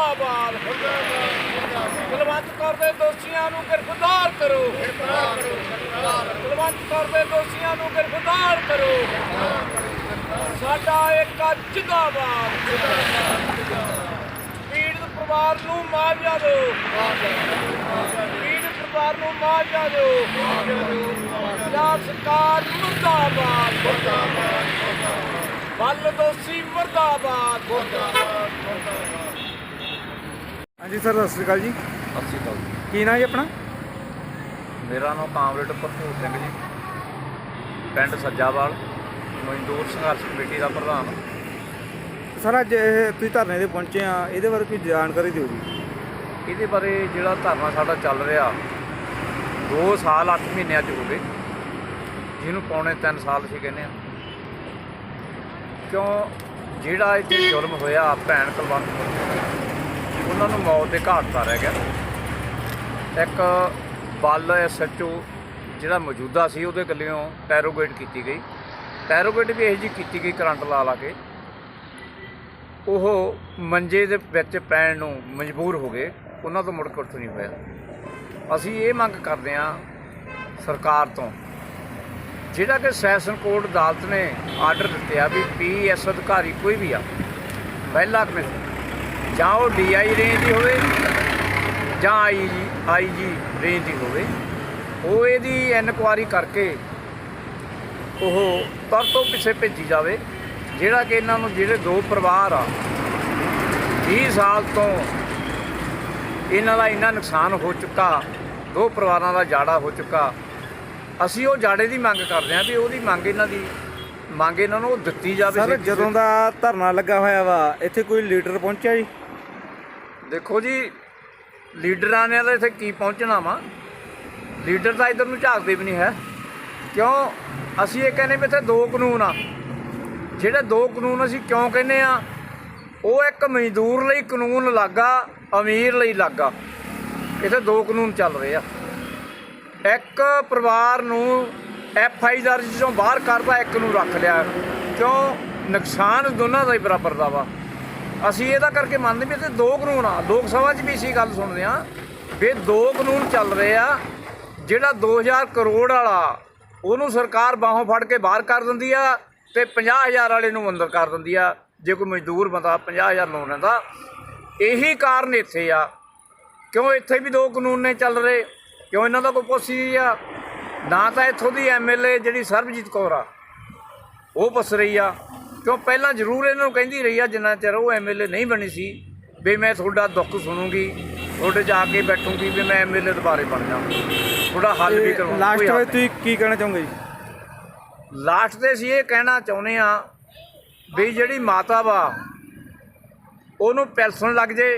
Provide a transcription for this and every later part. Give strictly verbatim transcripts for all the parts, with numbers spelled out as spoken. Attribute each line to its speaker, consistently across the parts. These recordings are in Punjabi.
Speaker 1: मुर्दाबाद कुलवंत कौर दे दोषियों को गिरफ्तार करो कुलवंत कौर दे दोषियों को गिरफ्तार करो साडा एक जिंदाबाद पीड़ित परिवार नूं मुआवजा दो पीड़ित परिवार नूं मुआवजा दो पंजाब सरकार मुर्दाबाद बल दोषी मुर्दाबाद।
Speaker 2: हाँ जी सर, सत श्री अकाल जी।
Speaker 3: ਸਤਿ ਸ਼੍ਰੀ ਅਕਾਲ ਜੀ।
Speaker 2: ਕੀ ਨਾਂ ਜੀ ਆਪਣਾ?
Speaker 3: ਮੇਰਾ ਨਾਮ ਕਾਮਰੇਡ ਭਰਪੂਰ ਸਿੰਘ ਜੀ, ਪਿੰਡ ਸੱਜਾਵਾਲ, ਮਜ਼ਦੂਰ ਸੰਘਰਸ਼ ਕਮੇਟੀ ਦਾ ਪ੍ਰਧਾਨ।
Speaker 2: ਸਰ ਅੱਜ ਇਹ ਤੁਸੀਂ ਧਰਨੇ 'ਤੇ ਪਹੁੰਚੇ ਆ, ਇਹਦੇ ਬਾਰੇ ਕੋਈ ਜਾਣਕਾਰੀ ਦਿਓ ਜੀ।
Speaker 3: ਇਹਦੇ ਬਾਰੇ ਜਿਹੜਾ ਧਰਨਾ ਸਾਡਾ ਚੱਲ ਰਿਹਾ ਦੋ ਸਾਲ ਅੱਠ ਮਹੀਨੇ ਅੱਜ ਹੋ ਗਏ, ਜਿਹਨੂੰ ਪੌਣੇ ਤਿੰਨ ਸਾਲ ਅਸੀਂ ਕਹਿੰਦੇ ਹਾਂ। ਕਿਉਂ ਜਿਹੜਾ ਇੱਥੇ ਜ਼ੁਲਮ ਹੋਇਆ ਭੈਣ ਕੁਲਵੰਤ ਕੌਰ, ਉਹਨਾਂ ਨੂੰ ਮੌਤ ਦੇ ਘਾਟ ਤਾਂ ਰਹਿ ਗਿਆ। ਇੱਕ ਬਲ ਐਸ ਐਚ ਓ ਜਿਹੜਾ ਮੌਜੂਦਾ ਸੀ ਉਹਦੇ ਗੱਲੋਂ ਟੈਰੋਗੇਟ ਕੀਤੀ ਗਈ, ਟੈਰੋਗੇਟ ਵੀ ਇਹੋ ਜਿਹੀ ਕੀਤੀ ਗਈ ਕਰੰਟ ਲਾ ਲਾ ਕੇ, ਉਹ ਮੰਜੇ ਦੇ ਵਿੱਚ ਪੈਣ ਨੂੰ ਮਜਬੂਰ ਹੋ ਗਏ, ਉਹਨਾਂ ਤੋਂ ਮੁੜ ਕੇ ਉੱਠ ਨਹੀਂ ਹੋਇਆ। ਅਸੀਂ ਇਹ ਮੰਗ ਕਰਦੇ ਹਾਂ ਸਰਕਾਰ ਤੋਂ, ਜਿਹੜਾ ਕਿ ਸੈਸ਼ਨ ਕੋਰਟ ਅਦਾਲਤ ਨੇ ਆਰਡਰ ਦਿੱਤੇ ਆ ਵੀ ਪੀ ਐਸ ਅਧਿਕਾਰੀ ਕੋਈ ਵੀ ਆ, ਮਹਿਲਾ ਕਮਿਸ਼ਨ, ਜਾਂ ਉਹ ਡੀ ਆਈ ਰੇਂਜ ਦੀ ਹੋਵੇ ਜਾਂ ਆਈ ਜੀ ਆਈ ਜੀ ਰੇਂਜ ਦੀ ਹੋਵੇ, ਉਹ ਇਹਦੀ ਇਨਕੁਆਇਰੀ ਕਰਕੇ ਉਹ ਤਰ ਤੋਂ ਪਿੱਛੇ ਭੇਜੀ ਜਾਵੇ। ਜਿਹੜਾ ਕਿ ਇਹਨਾਂ ਨੂੰ ਜਿਹੜੇ ਦੋ ਪਰਿਵਾਰ ਆ ਵੀਹ ਸਾਲ ਤੋਂ ਇਹਨਾਂ ਦਾ ਇੰਨਾ ਨੁਕਸਾਨ ਹੋ ਚੁੱਕਾ, ਦੋ ਪਰਿਵਾਰਾਂ ਦਾ ਜਾੜਾ ਹੋ ਚੁੱਕਾ, ਅਸੀਂ ਉਹ ਜਾੜੇ ਦੀ ਮੰਗ ਕਰਦੇ ਹਾਂ ਵੀ ਉਹਦੀ ਮੰਗ ਇਹਨਾਂ ਦੀ ਮੰਗ ਇਹਨਾਂ ਨੂੰ ਦਿੱਤੀ ਜਾਵੇ।
Speaker 2: ਸਰ ਜਦੋਂ ਦਾ ਧਰਨਾ ਲੱਗਾ ਹੋਇਆ ਵਾ ਇੱਥੇ ਕੋਈ ਲੀਡਰ ਪਹੁੰਚਿਆ ਜੀ?
Speaker 3: ਦੇਖੋ ਜੀ, ਲੀਡਰਾਂ ਨੇ ਤਾਂ ਇੱਥੇ ਕੀ ਪਹੁੰਚਣਾ ਵਾ, ਲੀਡਰ ਤਾਂ ਇੱਧਰ ਨੂੰ ਝਾਕਦੇ ਵੀ ਨਹੀਂ ਹੈ। ਕਿਉਂ ਅਸੀਂ ਇਹ ਕਹਿੰਦੇ ਵੀ ਇੱਥੇ ਦੋ ਕਾਨੂੰਨ ਆ। ਜਿਹੜੇ ਦੋ ਕਾਨੂੰਨ ਅਸੀਂ ਕਿਉਂ ਕਹਿੰਦੇ ਆ, ਉਹ ਇੱਕ ਮਜ਼ਦੂਰ ਲਈ ਕਾਨੂੰਨ ਅਲੱਗ ਆ, ਅਮੀਰ ਲਈ ਅਲੱਗ ਆ। ਇੱਥੇ ਦੋ ਕਾਨੂੰਨ ਚੱਲ ਰਹੇ ਆ। ਇੱਕ ਪਰਿਵਾਰ ਨੂੰ ਐਫ ਆਈ ਦਰਜ ਚੋਂ ਬਾਹਰ ਕਰਦਾ, ਇੱਕ ਨੂੰ ਰੱਖ ਲਿਆ। ਕਿਉਂ ਨੁਕਸਾਨ ਦੋਨਾਂ ਦਾ ਹੀ ਬਰਾਬਰ ਦਾ ਵਾ। ਅਸੀਂ ਇਹਦਾ ਕਰਕੇ ਮੰਨਦੇ ਵੀ ਇੱਥੇ ਦੋ ਕਾਨੂੰਨ ਆ। ਲੋਕ ਸਭਾ 'ਚ ਵੀ ਅਸੀਂ ਗੱਲ ਸੁਣਦੇ ਹਾਂ ਵੀ ਦੋ ਕਾਨੂੰਨ ਚੱਲ ਰਹੇ ਆ। ਜਿਹੜਾ ਦੋ ਹਜ਼ਾਰ ਕਰੋੜ ਵਾਲਾ ਉਹਨੂੰ ਸਰਕਾਰ ਬਾਹੋਂ ਫੜ ਕੇ ਬਾਹਰ ਕਰ ਦਿੰਦੀ ਆ ਅਤੇ ਪੰਜਾਹ ਹਜ਼ਾਰ ਵਾਲੇ ਨੂੰ ਅੰਦਰ ਕਰ ਦਿੰਦੀ ਆ। ਜੇ ਕੋਈ ਮਜ਼ਦੂਰ ਬੰਦਾ ਪੰਜਾਹ ਹਜ਼ਾਰ ਲੋਨ ਲੈਂਦਾ, ਇਹੀ ਕਾਰਨ ਇੱਥੇ ਆ। ਕਿਉਂ ਇੱਥੇ ਵੀ ਦੋ ਕਾਨੂੰਨ ਨੇ ਚੱਲ ਰਹੇ, ਕਿਉਂ ਇਹਨਾਂ ਦਾ ਕੋਈ ਪੁੱਛੀ ਆ ਨਾ। ਤਾਂ ਇੱਥੋਂ ਦੀ ਐਮ ਐਲ ਏ ਜਿਹੜੀ ਸਰਬਜੀਤ ਕੌਰ ਆ ਉਹ ਪੁੱਛ ਰਹੀ ਆ, ਕਿਉਂ ਪਹਿਲਾਂ ਜ਼ਰੂਰ ਇਹਨਾਂ ਨੂੰ ਕਹਿੰਦੀ ਰਹੀ ਆ ਜਿੰਨਾ ਚਿਰ ਉਹ ਐਮ ਐਲ ਏ ਨਹੀਂ ਬਣੀ ਸੀ ਵੀ ਮੈਂ ਤੁਹਾਡਾ ਦੁੱਖ ਸੁਣੂੰਗੀ, ਤੁਹਾਡੇ ਜਾ ਕੇ ਬੈਠੂੰਗੀ ਵੀ ਮੈਂ ਐਮ ਐਲ ਏ ਦੁਬਾਰੇ ਬਣ ਜਾਵਾਂ, ਤੁਹਾਡਾ ਹੱਲ ਵੀ ਕਰਵਾਉਂ।
Speaker 2: ਲਾਸਟ ਵਿੱਚ ਤੁਸੀਂ ਕੀ ਕਹਿਣਾ ਚਾਹੋਗੇ ਜੀ?
Speaker 3: ਲਾਸਟ 'ਤੇ ਅਸੀਂ ਇਹ ਕਹਿਣਾ ਚਾਹੁੰਦੇ ਹਾਂ ਵੀ ਜਿਹੜੀ ਮਾਤਾ ਵਾ ਉਹਨੂੰ ਪੈਨਸ਼ਨ ਲੱਗ ਜੇ,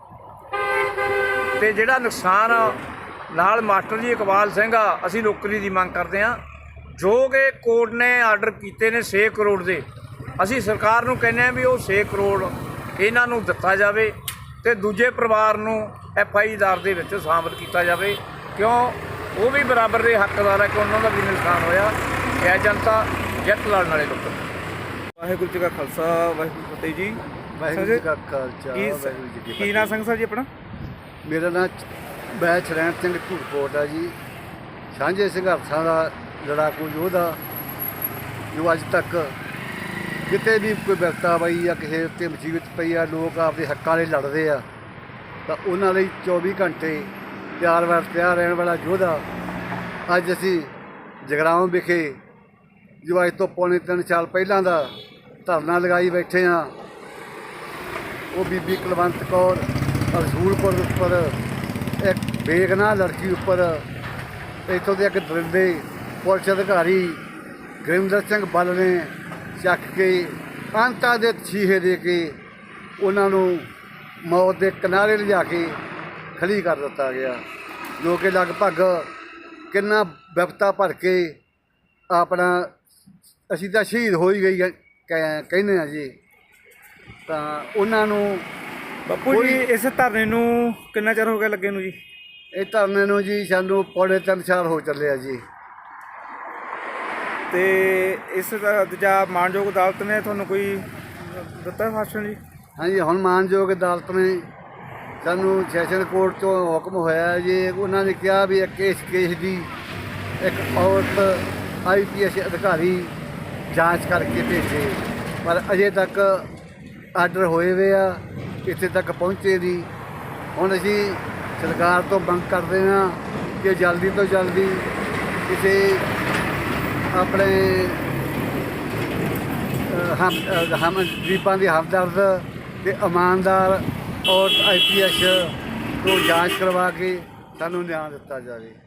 Speaker 3: ਅਤੇ ਜਿਹੜਾ ਨੁਕਸਾਨ ਨਾਲ ਮਾਸਟਰ ਜੀ ਇਕਬਾਲ ਸਿੰਘ ਆ, ਅਸੀਂ ਨੌਕਰੀ ਦੀ ਮੰਗ ਕਰਦੇ ਹਾਂ। ਜੋ ਕਿ ਕੋਰਟ ਨੇ ਆਰਡਰ ਕੀਤੇ ਨੇ ਛੇ ਕਰੋੜ ਦੇ, ਅਸੀਂ ਸਰਕਾਰ ਨੂੰ ਕਹਿੰਦੇ ਹਾਂ ਵੀ ਉਹ ਛੇ ਕਰੋੜ ਇਹਨਾਂ ਨੂੰ ਦਿੱਤਾ ਜਾਵੇ ਅਤੇ ਦੂਜੇ ਪਰਿਵਾਰ ਨੂੰ ਐਫ ਆਈ ਆਰ ਦੇ ਵਿੱਚ ਸ਼ਾਮਲ ਕੀਤਾ ਜਾਵੇ। ਕਿਉਂ ਉਹ ਵੀ ਬਰਾਬਰ ਦੇ ਹੱਕਦਾਰ ਹੈ ਕਿ ਉਹਨਾਂ ਦਾ ਵੀ ਨੁਕਸਾਨ ਹੋਇਆ। ਜੈ ਜਨਤਾ, ਜਿੱਤ ਲੜਨ ਵਾਲੇ ਲੋਕ।
Speaker 2: ਵਾਹਿਗੁਰੂ ਜੀ ਕਾ ਖਾਲਸਾ, ਵਾਹਿਗੁਰੂ ਜੀ ਕੀ ਫਤਿਹ ਜੀ।
Speaker 4: ਵਾਹਿਗੁਰੂ ਜੀ ਕਾ ਖਾਲਸਾ,
Speaker 2: ਕੀ
Speaker 4: ਵਾਹਿਗੁਰੂ ਜੀ ਕੀ
Speaker 2: ਕੀ ਨਾਂ ਸਿੰਘ ਸਾਹਿਬ ਜੀ ਆਪਣਾ?
Speaker 4: ਮੇਰਾ ਨਾਂ ਮੈਂ ਸ਼ਰੈਣ ਸਿੰਘ ਧੂੜਕੋਟ ਆ ਜੀ। ਸਾਂਝੇ ਸੰਘਰਸ਼ਾਂ ਦਾ ਲੜਾਕੂ ਯੋਧਾ, ਜੋ ਅੱਜ ਤੱਕ ਕਿਤੇ ਵੀ ਕੋਈ ਵਿਪਤਾ ਪਈ ਜਾਂ ਕਿਸੇ ਉੱਤੇ ਮੁਸੀਬਤ ਪਈ ਆ, ਲੋਕ ਆਪਦੇ ਹੱਕਾਂ ਲਈ ਲੜਦੇ ਆ, ਤਾਂ ਉਹਨਾਂ ਲਈ ਚੌਵੀ ਘੰਟੇ ਤਿਆਰ ਵਰ ਤਿਆਰ ਰਹਿਣ ਵਾਲਾ ਯੋਧਾ ਅੱਜ ਅਸੀਂ ਜਗਰਾਉਂ ਵਿਖੇ ਜੋ ਅੱਜ ਤੋਂ ਪੌਣੇ ਤਿੰਨ ਸਾਲ ਪਹਿਲਾਂ ਦਾ ਧਰਨਾ ਲਗਾਈ ਬੈਠੇ ਹਾਂ। ਉਹ ਬੀਬੀ ਕੁਲਵੰਤ ਕੌਰ ਰਸੂਲਪੁਰ ਉੱਪਰ ਇੱਕ ਬੇਗਨਾਹ ਲੜਕੀ ਉੱਪਰ ਇੱਥੋਂ ਦੇ ਇੱਕ ਦਰਿੰਦੇ ਪੁਲਿਸ ਅਧਿਕਾਰੀ ਗੁਰਿੰਦਰ ਸਿੰਘ ਬੱਲ ਨੇ ਚੱਕ ਕੇ ਅੰਤਾਂ ਦੇ ਛੀਹੇ ਦੇ ਕੇ ਉਹਨਾਂ ਨੂੰ ਮੌਤ ਦੇ ਕਿਨਾਰੇ ਲਿਜਾ ਕੇ ਖਲੀ ਕਰ ਦਿੱਤਾ ਗਿਆ, ਜੋ ਕਿ ਲਗਭਗ ਕਿੰਨਾ ਵਿਪਤਾ ਭਰ ਕੇ ਆਪਣਾ ਅਸੀਂ ਤਾਂ ਸ਼ਹੀਦ ਹੋ ਹੀ ਗਈ ਕਹਿੰਦੇ ਹਾਂ ਜੀ। ਤਾਂ ਉਹਨਾਂ ਨੂੰ
Speaker 2: ਬਾਪੂ ਜੀ ਇਸ ਧਰਨੇ ਨੂੰ ਕਿੰਨਾ ਚਿਰ ਹੋ ਗਿਆ ਲੱਗੇ ਨੂੰ ਜੀ?
Speaker 4: ਇਹ ਧਰਨੇ ਨੂੰ ਜੀ ਸਾਨੂੰ ਪੌਣੇ ਤਿੰਨ ਸਾਲ ਹੋ ਚੱਲੇ ਆ ਜੀ।
Speaker 2: ਤੇ ਇਸ ਦਾ ਦੂਜਾ ਮਾਨਯੋਗ ਅਦਾਲਤ ਨੇ ਤੁਹਾਨੂੰ ਕੋਈ ਦਿੱਤਾ ਫਾਸਣ ਜੀ?
Speaker 4: ਹਾਂਜੀ, ਹੁਣ ਮਾਨਯੋਗ ਅਦਾਲਤ ਨੇ ਸਾਨੂੰ ਸੈਸ਼ਨ ਕੋਰਟ ਤੋਂ ਹੁਕਮ ਹੋਇਆ ਜੀ, ਉਹਨਾਂ ਨੇ ਕਿਹਾ ਵੀ ਇੱਕ ਇਸ ਕੇਸ ਦੀ ਇੱਕ ਔਰਤ ਆਈ ਪੀ ਐਸ ਅਧਿਕਾਰੀ ਜਾਂਚ ਕਰਕੇ ਭੇਜੇ, ਪਰ ਅਜੇ ਤੱਕ ਆਰਡਰ ਹੋਏ ਵੇ ਆ, ਇੱਥੇ ਤੱਕ ਪਹੁੰਚੇ ਨਹੀਂ। ਹੁਣ ਅਸੀਂ ਸਰਕਾਰ ਤੋਂ ਮੰਗ ਕਰਦੇ ਹਾਂ ਕਿ ਜਲਦੀ ਤੋਂ ਜਲਦੀ ਕਿਸੇ ਆਪਣੇ ਅ, ਹਮ ਅ, ਹਮ ਗਰੀਬਾਂ ਦੀ ਹਮਦਰਦ ਅਤੇ ਇਮਾਨਦਾਰ ਔਰਤ ਆਈ ਪੀ ਐਸ ਤੋਂ ਜਾਂਚ ਕਰਵਾ ਕੇ ਸਾਨੂੰ ਨਿਆਂ ਦਿੱਤਾ ਜਾਵੇ।